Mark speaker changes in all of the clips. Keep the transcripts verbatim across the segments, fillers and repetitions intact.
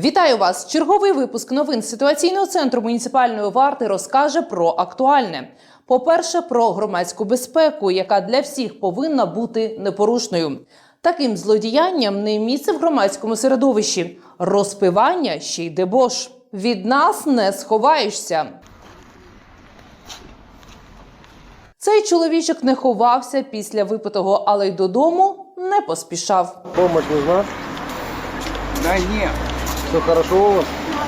Speaker 1: Вітаю вас! Черговий випуск новин ситуаційного центру муніципальної варти розкаже про актуальне. По-перше, про громадську безпеку, яка для всіх повинна бути непорушною. Таким злодіянням не місце в громадському середовищі. Розпивання ще й дебош. Від нас не сховаєшся. Цей чоловічок не ховався після випитого, але й додому не поспішав.
Speaker 2: Помощь нужна?
Speaker 3: Да нет.
Speaker 2: Все хорошо у вас?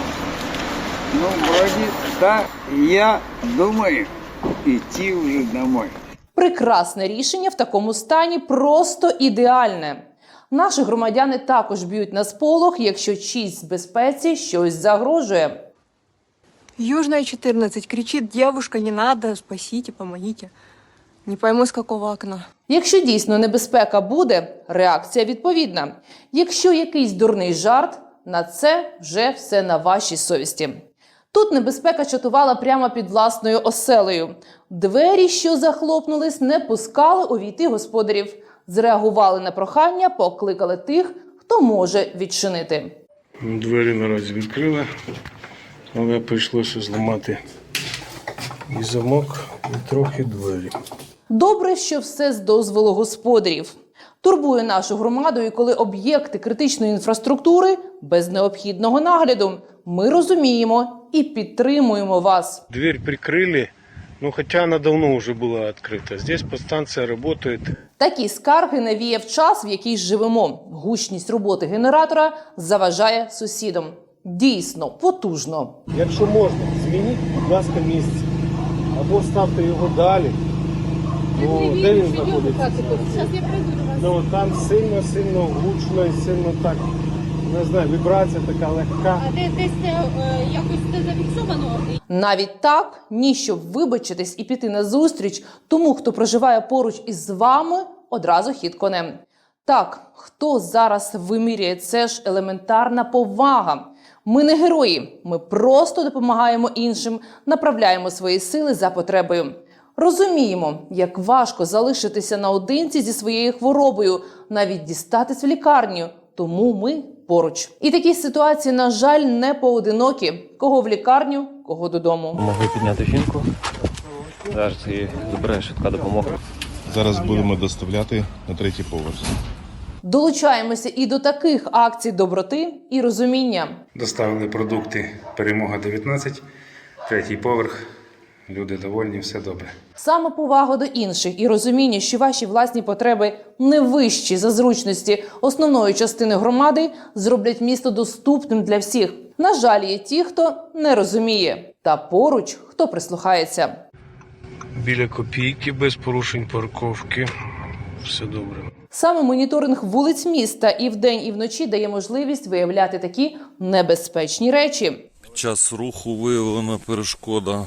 Speaker 3: Ну, вроде да. Я думаю идти уже домой.
Speaker 1: Прекрасне рішення в такому стані, просто ідеальне. Наші громадяни також б'ють на сполох, якщо чиїсь безпеці щось загрожує.
Speaker 4: Южная, четырнадцать. Кричит: девушка, не надо, спасите, помогите. Не пойму, с какого окна.
Speaker 1: Якщо дійсно небезпека буде, реакція відповідна. Якщо якийсь дурний жарт, на це вже все на вашій совісті. Тут небезпека чатувала прямо під власною оселею. Двері, що захлопнулись, не пускали увійти господарів. Зреагували на прохання, покликали тих, хто може відчинити.
Speaker 5: Двері наразі відкрили, але прийшлося зламати і замок, і трохи двері.
Speaker 1: Добре, що все з дозволу господарів. Турбує нашу громаду, і коли об'єкти критичної інфраструктури без необхідного нагляду. Ми розуміємо і підтримуємо вас.
Speaker 5: Дверь прикрили, ну хоча вона давно вже була відкрита. Здесь подстанція працює.
Speaker 1: Такі скарги навіяв час, в який живемо. Гучність роботи генератора заважає сусідам. Дійсно, потужно.
Speaker 2: Якщо можна, змініть, будь ласка, місце. Або ставте його далі. Ну, де він знаходиться? Ну, там сильно-сильно гучно і сильно так, не знаю, вібрація така легка.
Speaker 6: А де, десь це е, якось це зафіксовано?
Speaker 1: Навіть так, ні, щоб вибачитись і піти на зустріч тому, хто проживає поруч із вами, одразу хід конем. Так, хто зараз виміряє, це ж елементарна повага. Ми не герої, ми просто допомагаємо іншим, направляємо свої сили за потребою. Розуміємо, як важко залишитися наодинці зі своєю хворобою, навіть дістатись в лікарню, тому ми поруч. І такі ситуації, на жаль, не поодинокі. Кого в лікарню, кого додому.
Speaker 7: Могли підняти жінку, зараз її забирає швидка допомога.
Speaker 8: Зараз будемо доставляти на третій поверх.
Speaker 1: Долучаємося і до таких акцій доброти і розуміння.
Speaker 9: Доставили продукти «Перемога дев'ятнадцять», третій поверх. Люди довольні, все добре.
Speaker 1: Самоповага до інших і розуміння, що ваші власні потреби не вищі за зручності основної частини громади, зроблять місто доступним для всіх. На жаль, є ті, хто не розуміє. Та поруч, хто прислухається.
Speaker 5: Біля копійки, без порушень парковки. Все добре.
Speaker 1: Саме моніторинг вулиць міста і вдень, і вночі дає можливість виявляти такі небезпечні речі.
Speaker 10: Під час руху виявлена перешкода.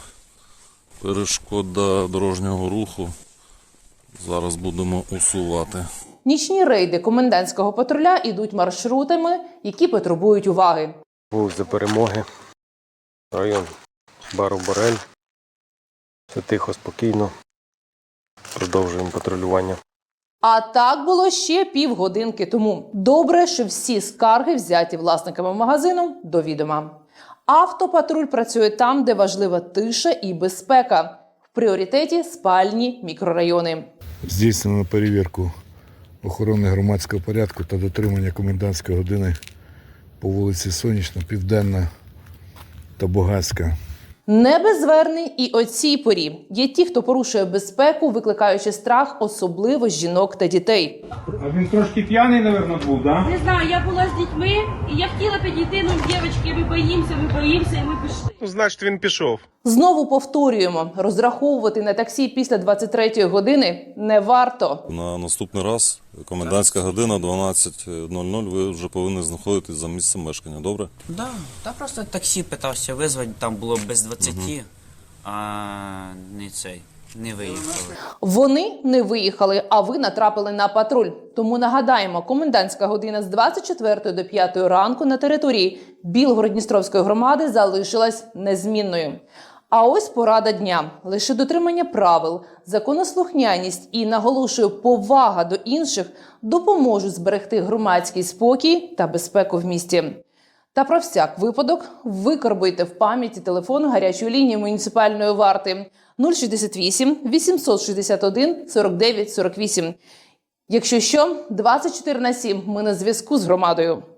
Speaker 10: Перешкода дорожнього руху. Зараз будемо усувати.
Speaker 1: Нічні рейди комендантського патруля ідуть маршрутами, які потребують уваги.
Speaker 2: Вулиця Перемоги, район бару Борель. Все тихо, спокійно. Продовжуємо патрулювання.
Speaker 1: А так було ще півгодинки тому. Добре, що всі скарги взяті власниками магазину до відома. Автопатруль працює там, де важлива тиша і безпека. В пріоритеті спальні мікрорайони.
Speaker 11: Здійснено перевірку охорони громадського порядку та дотримання комендантської години по вулиці Сонячна, Південна та Бугацька.
Speaker 1: Не без звернень і о цій порі. Є ті, хто порушує безпеку, викликаючи страх, особливо жінок та дітей.
Speaker 12: А він трошки п'яний, мабуть, був, так?
Speaker 6: Не знаю, я була з дітьми, і я хотіла підійти, ну, дівчатки, ми боїмося, ми боїмося, і ми пішли.
Speaker 5: Ну, значить, він пішов.
Speaker 1: Знову повторюємо, розраховувати на таксі після двадцять третьої години не варто.
Speaker 10: На наступний раз, комендантська година, дванадцять нуль нуль, ви вже повинні знаходитись за місцем мешкання, добре?
Speaker 13: Да, та просто таксі питався визвати, там було без двадцяти, угу. А не цей, не виїхали.
Speaker 1: Вони не виїхали, а ви натрапили на патруль. Тому нагадаємо, комендантська година з двадцять четвертої до п'ятої ранку на території Білгород-Дністровської громади залишилась незмінною. А ось порада дня. Лише дотримання правил, законослухняність і, наголошую, повага до інших допоможуть зберегти громадський спокій та безпеку в місті. Та про всяк випадок викарбуйте в пам'яті телефон гарячої лінії муніципальної варти нуль шістдесят вісім вісімсот шістдесят один сорок дев'ять сорок вісім. Якщо що, двадцять чотири на сім ми на зв'язку з громадою.